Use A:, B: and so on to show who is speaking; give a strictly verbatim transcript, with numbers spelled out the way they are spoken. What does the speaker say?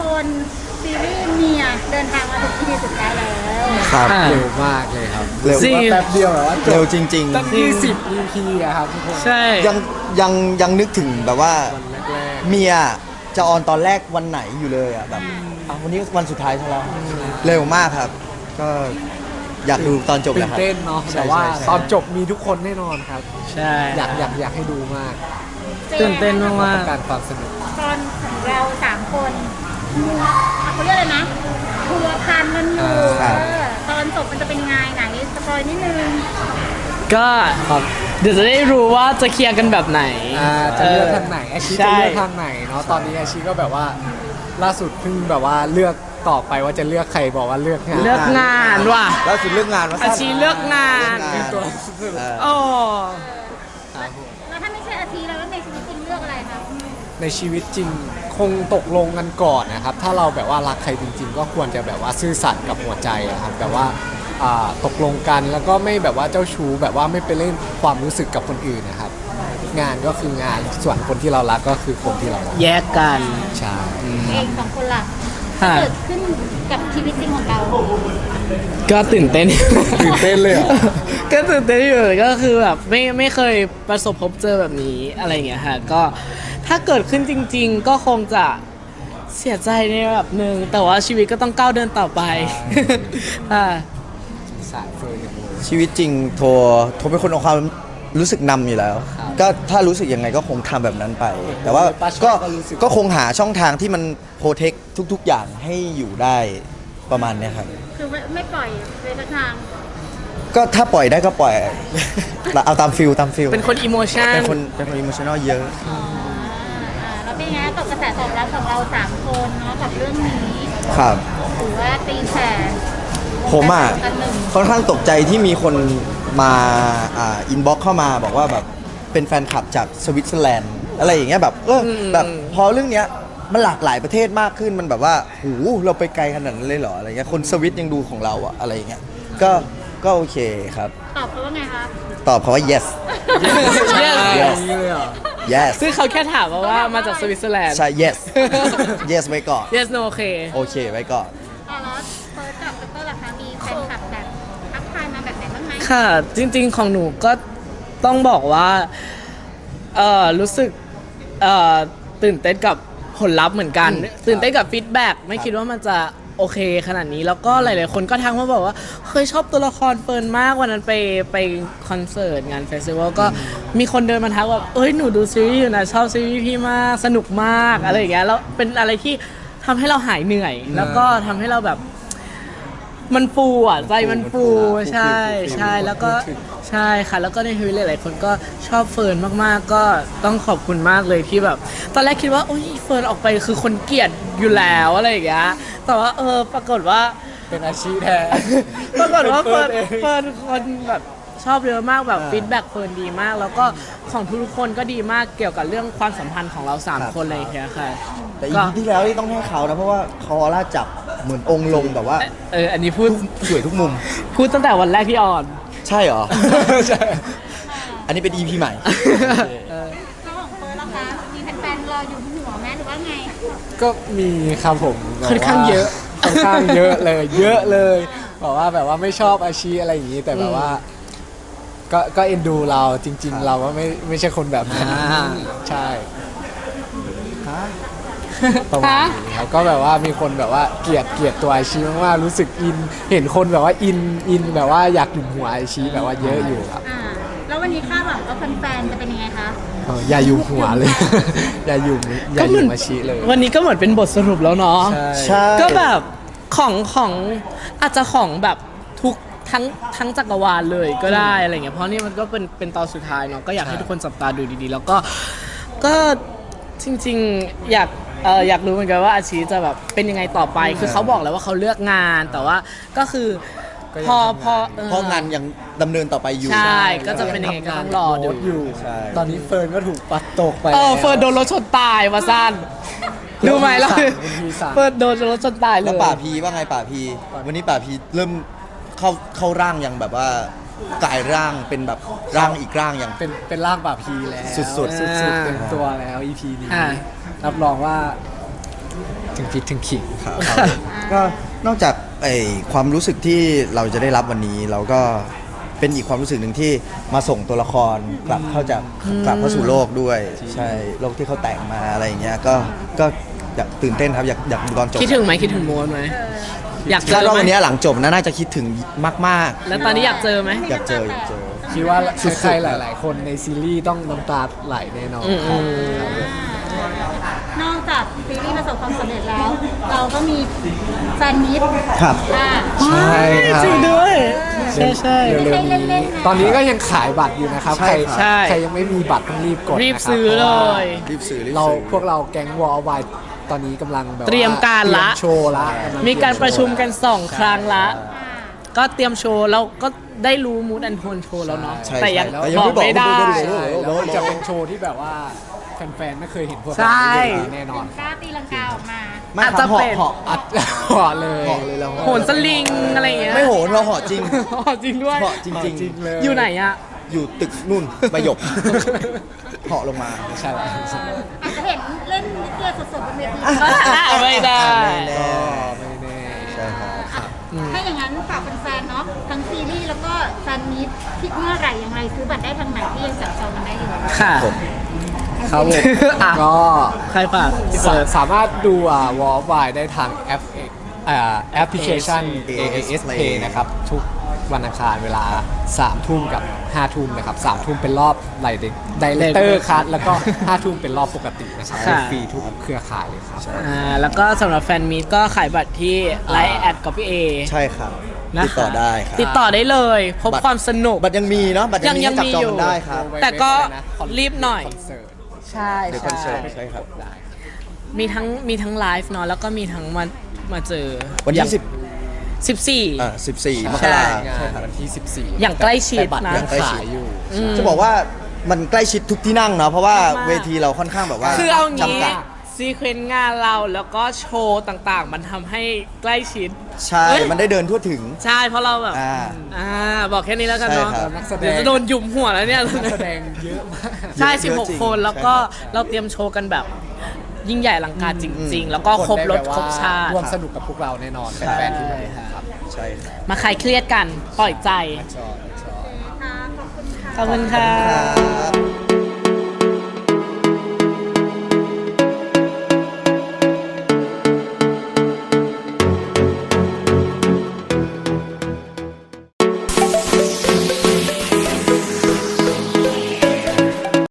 A: คนซีรีส์เมียเดินทางมาถึงที่สุดท้ายแล้ว
B: ครับ
C: อ่า
D: เร็วมากเลยครับ
B: เร็ว
C: จริง
D: แป๊บเดียวแบบว่าจ
B: เร็ว
D: บ
B: จริง
D: ตั้งยี่สิบ อี พี อะครับทุกคน
C: ใช่
B: ๆ ยังยังยังนึกถึงแบบว่า
D: วันแรก
B: เมียจะออนตอนแรกวันไหนอยู่เลยอ่ะแบบอ่ะวันนี้วันสุดท้ายใช่แล้วเร็วมากครับ ก็อยากดูตอนจบ
D: ๆตื่
B: แล้
D: น
B: วครับ
D: เต้นเนาะ
B: ใช่
D: แต่ว่า
B: ใช่ใช่
D: ตอนจบมีทุกคนแน่นอนครับ
C: ใช่
D: อยากอยากอยากให้ดูมาก
C: ตื่นเต้นมาก
D: ต้
C: มา
D: อก งการความสนุก
A: ตอนของเราสามคนมัวเขาเรียกอะไรนะทัวร์พันมันอยู่
B: ครับ
A: เออตอนจบมันจะเป็นยังไงไหนสปอยนิดนึง
C: ก็
D: ครับ
C: เดี๋ยวจะได้รู้ว่าจะเคลียร์กันแบบไหน
D: อ่าจะเลือกทางไหนอาชี
C: ใช่
D: จะเลือกทางไหนเนาะตอนนี้อาชีก็แบบว่าล่าสุดเพิ่งแบบว่าเลือกต่อไปว่าจะเลือกใครบอกว่าเลือกงาน
C: เลือกงานว่ะ
B: แล้วสุดเรื่องงานว่า
C: อาชีเลือกงาน
B: เรื่อง
D: ตัว
B: เออ
C: โอ้
D: ครับผม
A: แล้วถ้าไม่ใช่อาทีแล้วในชีวิตจริงเลือกอะไรคะ
D: ในชีวิตจริงคงตกลงกันก่อนนะครับ ถ้าเราแบบว่ารักใครจริง ๆ ก็ควรจะแบบว่าซื่อสัตย์กับหัวใจอะครับแบบว่าอ่าตกลงกันแล้วก็ไม่แบบว่าเจ้าชู้แบบว่าไม่ไปเล่นความรู้สึกกับคนอื่นนะครับ งานก็คืองานส่วนคนที่เรารักก็คือคนที่เรารัก
C: แยกกัน
D: ใช่
A: เองสองคนล่ะ
C: ค่ะ
A: เกิดขึ้นกับชีวิตจริงของเรา
C: ก็ตื่นเต้น
D: ตื่นเต้นเลยเหรอ
C: ก็ตื่นเต้นอยู่ก็คือแบบไม่ไม่เคยประสบพบเจอแบบนี้อะไรอย่างเงี้ยค่ะก็ถ้าเกิดขึ้นจริง ๆ ก็คงจะเสียใจในระดับหนึ่งแต่ว่าชีวิตก็ต้องก้าวเดินต่อไป อ่า
D: สายเฟยกันเลย
B: ชีวิตจริงโทรโทรเป็นคนเอาความรู้สึกนำอยู่แล้ว
D: ครับ
B: ก็ถ้ารู้สึกยังไงก็คงทำแบบนั้นไป แต่ว่า
D: ป้าชอบ
B: ก็
D: ก็รู้สึก
B: ก็คงหาช่องทางที่มันโปรเทคทุก ๆ อย่างให้อยู่ได้ประมาณเนี้ยครับ
A: คือไม่ไม่ปล่อยไปสักทาง
B: ก็ถ้าปล่อยได้ก็ปล่อย เอาตามฟิลตามฟิล
C: เป็นคนอิโมชัน
B: เป็นคนเป็นคนอิโมชันอลเยอะ
A: อ่าแล้วเป็นไงกับกระแสตอบรับของเราสามคนเนาะกับเรื่องนี้
B: ครับ
A: ถือว่าตีแผ่
B: ผมอ่ะ
A: กันหนึ่ง
B: ค่อนข้างตกใจที่มีคนมาอ่าอินบ็อกเข้ามาบอกว่าแบบเป็นแฟนคลับจากสวิตเซอร์แลนด์อะไรอย่างเงี้ยแบบเอออ
C: ม
B: แบบพอเรื่องเนี้ยมันหลากหลายประเทศมากขึ้นมันแบบว่าหูเราไปไกลขนาดนั้นเลยเหรออะไรเงี้ยคนสวิตยังดูของเราอะอะไรอย่างเงี้ยก็ก็โอเคครับ
A: ตอบเขาว่าไงคะ
B: ตอบเขาว่า yes
C: yes
D: อย่างนี้เลยเหรอ
B: yes
C: ซึ่งเขาแค่ถามมาว่ามาจากสวิตเซอร์แลนด์
B: ใช่ yes yes ไว้ก่อน
C: yes no โอเค
B: โอเคไว้ก่อน
A: อ่าแล้วเฟิร์สกับเปเปอร์ล่ะคะมีแฟนคลับแบบทักทายมาแบบไหนบ้างไหม
C: ค่ะ จริงๆของหนูก็ต้องบอกว่าเออรู้สึกเอ่อตื่นเต้นกับผลลัพธ์เหมือนกัน ตื่นเต้นกับฟีดแบ็กไม่คิดว่ามันจะโอเคขนาดนี้ แล้วก็หลายๆคนก็ทักมาบอกว่าเคยชอบตัวละครเฟิร์นมากวันนั้นไปไปคอนเสิร์ตงานเฟสติวัลก็มีคนเดินมาทักแบบเอ้ยหนูดูซีรีส์อยู่นะชอบซีรีส์พี่มากสนุกมากอะไรอย่างเงี้ยแล้วเป็นอะไรที่ทำให้เราหายเหนื่อย แล้วก็ทำให้เราแบบมันฟูอ่ะใจมันฟูใช่ใช่แล้วก็ใช่ค่ะแล้วก็ในทวิตหลายๆคนก็ชอบเฟิร์นมากๆ ก็ต้องขอบคุณมากเลยที่แบบ ตอนแรกคิดว่าโอ้ยเฟิร์นออกไปคือคนเกลียดอยู่แล้วอะไรอย่างเงี้ยแต่ว่าเออปรากฏว่า
D: เป็นอาชีพแทน
C: ปรากฏว่า
D: เป็
C: เฟิ
D: น
C: ร์น
D: เฟิ
C: เฟิ
D: ร์
C: ร์
D: น
C: น
D: เอง
C: คนแบบชอบเยอะมากแบบ
D: อ่า
C: ฟีดแบ็กเฟิร์นดีมาก แล้วก็ของทุกๆคนก็ดีมากเกี่ยวกับเรื่องความสัมพันธ์ของเราสาม
B: ครับ
C: คนเลยค่ะค่ะ
B: แต่อี
C: ก็
B: พีที่แล้วนี่ต้องให้เขานะเพราะว่าเขาออร่าจับเหมือนองค์ลงแบบว่า
C: เอออันนี้พูด
B: สวยทุกมุม
C: พูดตั้งแต่วันแรกที่ออน
B: ใช่เหรอ
D: ใช่
B: อันนี้เป็น อี พี ใหม่
A: แล้วของเฟิร์สล่ะคะมีแฟนๆรออยู่ที่หัวแม่หรือว่าไง
D: ก็มีครับผมแบบ
C: ค่อนข้างเยอะ
D: ค่อนข้างเยอะเลย เยอะเลยบอกว่าแบบว่าไม่ชอบอาชีพอะไรอย่างนี้แต่แบบว่า ก็ก็เอ็นดูเราจริง ๆ เราก็ไม่ไม่ใช่คนแบบนั้น
C: อ่า
D: ใช่ประมาณนี้ครับก็แบบว่ามีคนแบบว่าเกลียดเกลียดตัวอาชีพมากๆรู้สึกอิน เห็นคนแบบว่าอินอินแบบว่าอยากอยู่หัวอาชีพแบบว่าเยอะอยู่ครับ
A: อ่าแล้ววันนี้คาดหวังว่าแฟนๆจะเป็นยังไงคะ
D: เอออย่าอยู่หัวเลย อย่าอยู่อย่าอยู่อาชีพเลย
C: วันนี้ก็เหมือนเป็นบทสรุปแล้วเนาะ
D: ใช่
B: ใช่
C: ก็แบบของของอาจจะของแบบทุกทั้งทั้งจักรวาลเลยก็ได้อะไรเงี้ยเพราะนี่มันก็เป็นเป็นตอนสุดท้ายเนาะก็อยากให้ทุกคนจับตาดูดีๆ แล้วก็ก็จริงๆอยากเอออยากรู้เหมือนกันว่าอาชีจะแบบเป็นยังไงต่อไป คือเขาบอกแล้วว่าเขาเลือกงานแต่ว่าก็คือ
D: ก็ยัง
C: พอ
D: ทำงาน
C: พอเออ
B: เพราะงานยังดำเนินต่อไปอยู่
C: ใช่ก็จะเป็นยังไงก็ต้องรอดู
D: อยู่
B: ใช่
D: ตอนนี้เฟิร์นก็ถูกปัดตกไป
C: เออ
D: แล้ว
C: เฟิร์นโดนรถชนตายมาสั้นดูไหมล่ะ
D: คุณพีสั่ง
C: เฟิร์นโดนรถชนตายเล
B: แล้ว
C: ย
B: ป่าพีว่าไงป่าพี วันนี้ป่าพีเริ่มเข้าเข้าร่างอย่างแบบว่ากลายร่างเป็นแบบร่างอีกร่างอย่าง
D: เป็นเป็นร่างป่าพีแล้ว
B: สุดๆ
D: สุดๆเต็มตัวแล้ว อี พี นี้
C: อ่า
D: รับรองว่าถึงพริกถึงขิง
B: ครับก็นอกจากไอความรู้สึกที่เราจะได้รับวันนี้ เราก็เป็นอีกความรู้สึกหนึ่งที่มาส่งตัวละครกลับเข้าจากกลับเข้าสู่โลกด้วย ใช่โลกที่เขาแต่งมาอะไรอย่างเงี้ยก็ก็อยากตื่นเต้นครับอยากอยากดูตอนจบ
C: คิดถึงไหมคิดถึงโมนไหมอยากเจ
B: คาด
C: อ
B: ว่า
C: ไหม
B: วันนี้หลังจบนะน่าจะคิดถึงมาก
C: แล้วตอนนี้อยากเจอไหม
B: ๆ อยากเจออยากเจอ
D: คิดว่า
B: สุดๆ
D: ใครๆหลาย ๆ คนในซีรีส์ต้องน้ำตาไหลแน่นอน
C: อืมอืม
A: นอกจากซีรีส์ประสบความสำเร็จแล้ว เราก็มีแฟนมิตร
B: ครับ
A: อ่า
D: ใช่ครับ
C: จริงด้วยใช่ใช่
D: เร็วๆ
A: เล่
D: นี้
A: นๆนะ
D: ตอนนี้ก็ยังขายบัตรอยู่นะครับ
B: ใช่
D: ใคร
B: ครับ
C: ใช่
D: ใครยังไม่มีบัตรต้องรีบกด
C: รีบ
D: นะครับ
C: ซื้อเลย
B: รีบสื่อรีบ
D: เรา
B: สื่อ
D: พวกเราแก๊งวอลไวตอนนี้กำลังแบบว่า
C: เตรียมการละ
D: เตยมโชว์ละำลัง
C: มีการประชุมกัน
D: เตย
C: สองครั้งละ ก็เตรียมโชว์แล้วก็ได้รู้มูดแอนโทนโชว์แล้วเนาะ
B: ใช่
C: แต่ยัง
B: ใช่แล้ว
C: บอกไม่ได้
B: ยังไม่บอก
D: โชว์ใช่แล้วมันจะเป็นโชว์ที่แบบว่าแฟนๆไม่เคยเห็นพวก
C: ใช่
D: เราแน่นอน
A: กล้าตีลังกาออกมา
B: ไม่
C: อาจ
B: ครั
C: จะ
B: บเหาะ
C: เป็น
B: เหาะ
D: อัดหอเลย
B: เหาะเลยเรา
C: โหนสลิงอะไรอย่างเงี้ย
B: ไม่โหนเราเหาะจริง
C: อ๋อจริงด้วย
B: เหาะจริง
D: จริงเลย
C: อยู่ไหนอะ
B: ๆ อยู่ตึกนู่นประยกเหาะลงมา
D: ใช่แล้วใช่แล้ว
A: อาจจะเห็นเล่นนิเกสดๆบนเวที
C: ไม่ได้
B: ไม่แน่
D: ก็ไม่แน่
B: ใช่ครับ
A: ถ้าอย่างนั้นฝากแฟนๆเนาะทั้งซีรีส์แล้วก็แฟนมิตรที่เมื่อไหร่อย่างไรซื้อบัตรได้ทางไหนที่ยังจับจองกันได้อยู่
C: ค่ะ
B: ผม
D: ครับผม
C: อ่ะ
D: ก็
C: ใครฝากพี่
D: สา
C: เฟิร์ส
D: สามารถดูอ่าวอลไวได้ทางแอปอ่าแอปพลิเคชัน
B: เอ
D: เอ
B: เอ
D: เอ
B: ส
D: ส
B: Play
D: เพย์นะครับ ทุกวันอังคารเวลาสามทุ่มกับห้าทุ่มนะครับสามทุ่มเป็นรอบไลเด็กไดเลเตอร์คัทแล้วก็ห้าทุ่มเป็นรอบปกตินะครับ
C: ค่ะ
D: ฟรีทุกเครือข่ายเลยครับ
C: อ่าแล้วก็สำหรับแฟนมีตก็ขายบัตรที่ไลน์แอดกับพี่เอ
B: ใช่ครับ
C: นะ
B: ติดต่อได้ครับ
C: ติดต่อได้เลย พบ
B: บัตร
C: ความสนุก
B: บัตรยังมีเนาะบัตรยังมี
C: ยัง
B: ให้จับ
C: มี
B: จอง
C: อยู่
B: กันได้ครับ
C: แต่ก็รีบหน่อย
D: คอนเสิร์ต
C: ใช่
B: เดี๋ยวคอนเสิร์ตใช่ครับ
D: ได้
C: มีทั้งมีทั้งไลฟ์เนาะแล้วก็มีทั้งมามาเจอ
B: วันที่สิบ
C: สิบสี่
B: อ่าสิบสี่มก
C: ใช่
B: รา
D: งานวันที่สิบสี่
C: อย่างใกล้ชิด
D: แต่บัตร
C: นะ
D: ยังขายอยู่
C: อืม
B: จะบอกว่ามันใกล้ชิดทุกที่นั่งเนาะเพราะว่า
C: มาก
B: เวทีเราค่อนข้างแบบว่า
C: คือเอางี้
B: จำกัด
C: ซีเควนต์งานเราแล้วก็โชว์ต่างๆ มันทำให้ใกล้ชิด
B: ใช่
C: เอ้ย
B: มันได้เดินทั่วถึง
C: ใช่เพราะเราแบบ
B: อ่า
C: อ่าบอกแค่นี้แล้วกันเนาะ
B: ใช่ครับ
D: นักแสดง
C: เดี๋ยวจะโดนหยุมหัวแล้วเนี่ย
D: นักแสดงเยอะมาก
C: ใช่
B: เยอะ
C: สิบหก
B: จริง
C: คนแล้วก็
B: ใช่ครับ
C: เราเตรียมโชว์กันแบบยิ่งใหญ่อลังการจริง ๆ แล้วก็ครบรถครบชาติ
D: ร่วมสนุกกับพวกเราแน่นอนแฟนๆที่มาดูครับ
B: ใช่ครับ
C: มาคลายเครียดกัน ปล่อยใจ
D: ชอบชอบ
A: ค่ะขอบคุณค่ะ
C: ขอบคุณค่ะ
B: ครับ